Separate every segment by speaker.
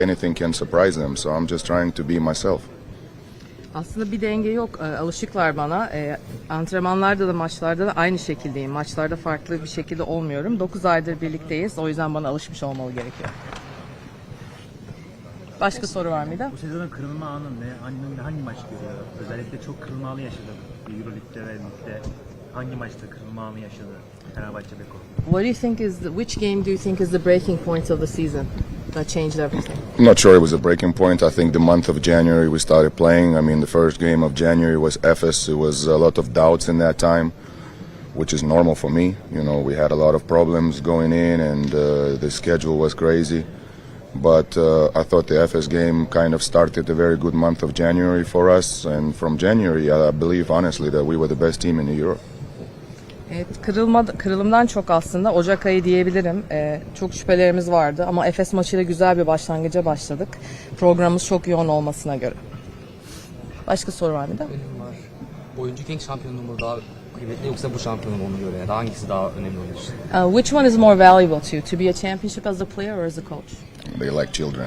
Speaker 1: anything can surprise them. So I'm just trying to be myself.
Speaker 2: Aslında bir denge yok. Alışıklar bana. Antrenmanlarda da maçlarda da aynı şekildeyim. Maçlarda farklı bir şekilde olmuyorum. 9 aydır birlikteyiz. O yüzden bana alışmış olmalı gerekiyor. Başka soru var mıydı?
Speaker 3: Bu sezonun kırılma anı ne? Hangi maç görüyor? Özellikle çok kırılma anı yaşadı. Euroleague'de ve Lig'de hangi maçta kırılma anı yaşadı Fenerbahçe Beko?
Speaker 2: What do you think which game do you think is the breaking point of the season that changed everything?
Speaker 1: I'm not sure it was a breaking point. I think the month of January we started playing. I mean, the first game of January was Efes. It was a lot of doubts in that time, which is normal for me. You know, we had a lot of problems going in, and the schedule was crazy. But I thought the Efes game kind of started a very good month of January for us. And from January, I believe honestly that we were the best team in Europe.
Speaker 2: Evet, kırılımdan çok aslında Ocak ayı diyebilirim. Çok şüphelerimiz vardı ama Efes maçıyla güzel bir başlangıca başladık. Programımız çok yoğun olmasına göre. Başka soru var mı da?
Speaker 4: Benim var. Oyuncu King şampiyonluğu mu daha kıymetli yoksa bu şampiyonluğu mu ona göre? Ya da hangisi daha önemli olur?
Speaker 2: Which one is more valuable to you? To be a championship as a player or as a coach?
Speaker 1: They like children.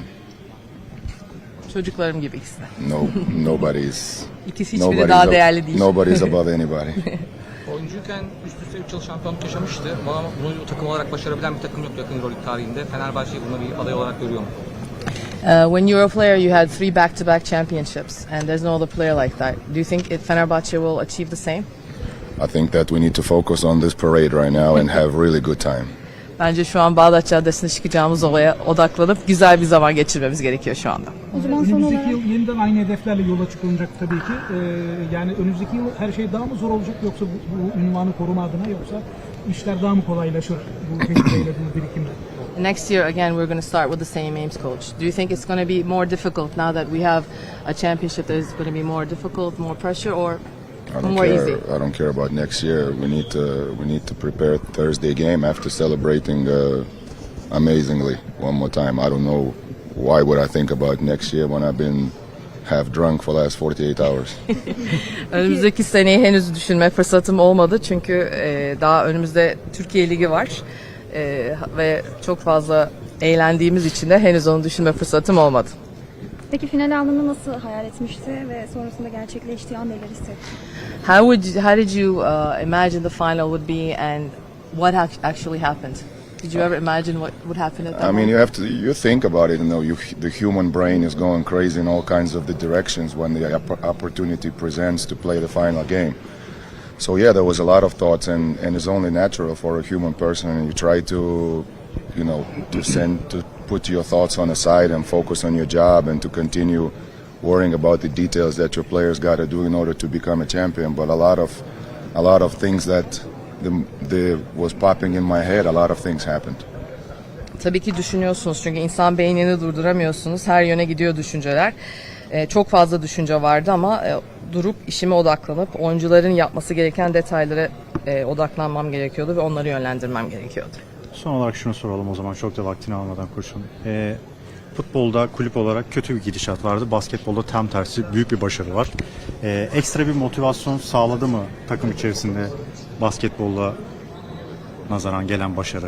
Speaker 2: Çocuklarım gibi ikisi de.
Speaker 1: Nobody's.
Speaker 2: İkisi hiçbiri daha değerli değil.
Speaker 1: Nobody's above anybody.
Speaker 4: Oyuncuyken üst üste 3 yıl şampiyonluk yaşamıştı ama bunu takım olarak başarabilen bir takım yok yakın Euroleague tarihinde. Fenerbahçe'yi buna bir aday olarak görüyor mu?
Speaker 2: When you were a player, you had 3 back-to-back championships, and there's no other player like that. Do you think Fenerbahçe will achieve the same?
Speaker 1: I think that we need to focus on this parade right now and have really good time.
Speaker 2: Bence şu an Bağdat Caddesi'ne çıkacağımız olaya odaklanıp güzel bir zaman geçirmemiz gerekiyor şu anda.
Speaker 5: Önümüzdeki yıl yeniden aynı hedeflerle yola çıkılacak tabii ki. Yani önümüzdeki yıl her şey daha mı zor olacak yoksa bu ünvanı koruma adına yoksa işler daha mı kolaylaşır bu tecrübeyle, bu birikimle?
Speaker 2: Next year, again, we're going to start with the same aims, coach. Do you think it's going to be more difficult now that we have a championship that is going to be more difficult, more pressure, or more easy?
Speaker 1: I don't care about next year. We need to prepare Thursday game after celebrating amazingly one more time. I don't know why would I think about next year when I've been half drunk for the last 48 hours.
Speaker 2: Önümüzdeki seneyi henüz düşünme fırsatım olmadı çünkü daha önümüzde Türkiye Ligi var ve çok fazla eğlendiğimiz için de henüz onu düşünme fırsatım olmadı.
Speaker 6: Peki final anını nasıl hayal etmişti ve sonrasında gerçekleştiği an neler hissetti?
Speaker 2: How did you imagine the final would be and what actually happened? Did you ever imagine what would happen at that moment?
Speaker 1: I mean, you think about it, the human brain is going crazy in all kinds of the directions when the opportunity presents to play the final game. So yeah, there was a lot of thoughts, and it's only natural for a human person, and you try to, to put your thoughts on the side and focus on your job and to continue worrying about the details that your players got to do in order to become a champion. But a lot of things that was popping in my head, a lot of things happened.
Speaker 2: Tabii ki düşünüyorsunuz çünkü insan beynini durduramıyorsunuz. Her yöne gidiyor düşünceler. Çok fazla düşünce vardı ama durup işime odaklanıp oyuncuların yapması gereken detaylara odaklanmam gerekiyordu ve onları yönlendirmem gerekiyordu.
Speaker 7: Son olarak şunu soralım o zaman çok da vaktini almadan koçum. Futbolda kulüp olarak kötü bir gidişat vardı. Basketbolda tam tersi büyük bir başarı var. Ekstra bir motivasyon sağladı mı takım içerisinde basketbolla nazaran gelen başarı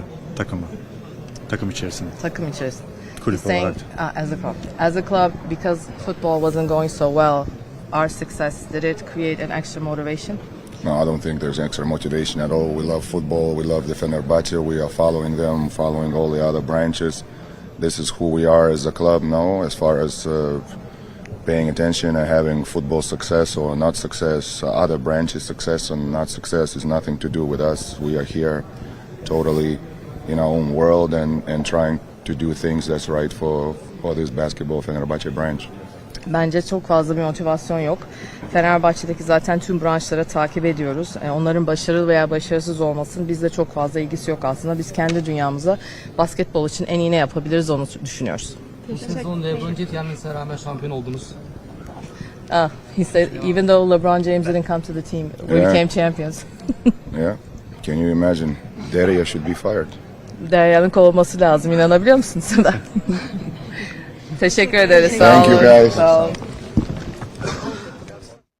Speaker 7: takım içerisinde?
Speaker 2: Takım içerisinde.
Speaker 7: Kulüp olarak.
Speaker 2: As a club, because football wasn't going so well, our success, did it create an extra motivation?
Speaker 1: No, I don't think there's extra motivation at all. We love football. We love the Fenerbahce. We are following them, following all the other branches. This is who we are as a club now. As far as paying attention and having football success or not success, other branches success or not success is nothing to do with us. We are here totally in our own world and trying to do things that's right for this basketball Fenerbahce branch.
Speaker 2: Bence çok fazla bir motivasyon yok. Fenerbahçe'deki zaten tüm branşları takip ediyoruz. Onların başarılı veya başarısız olmasının bizde çok fazla ilgisi yok aslında. Biz kendi dünyamıza basketbol için en iyi ne yapabiliriz onu düşünüyoruz.
Speaker 4: Bu sezon LeBron James yenmesine rağmen şampiyon oldunuz.
Speaker 2: He said even though LeBron James didn't come to the team, we became champions.
Speaker 1: Yeah. Can you imagine? Deria should be fired.
Speaker 2: Derya'nın kovulması lazım. İnanabiliyor musunuz? Teşekkür ederiz.
Speaker 1: Thank you guys.
Speaker 2: Sağ olun.